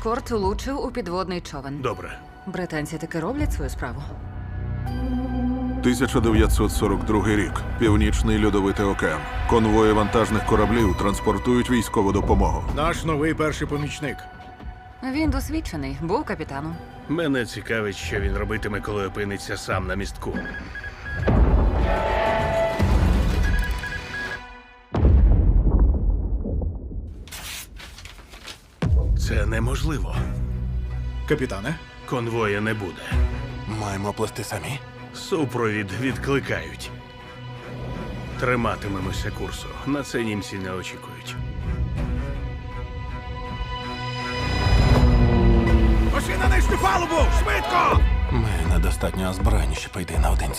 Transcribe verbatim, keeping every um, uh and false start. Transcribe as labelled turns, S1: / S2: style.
S1: ескорт влучив у підводний човен.
S2: Добре.
S1: Британці таки роблять свою справу.
S3: тисяча дев'ятсот сорок другий рік. Північний льодовитий океан. Конвої вантажних кораблів транспортують військову допомогу.
S4: Наш новий перший помічник.
S1: Він досвідчений, був капітаном.
S2: Мене цікавить, що він робитиме, коли опиниться сам на містку. Це неможливо.
S4: Капітане,
S2: Конвоя не буде.
S5: Маємо плести самі.
S2: Супровід відкликають. Триматимемося курсу. На це німці не очікують.
S4: пошли на нижню палубу! Швидко!
S5: Ми недостатньо озброєні, щоб йти наодинці.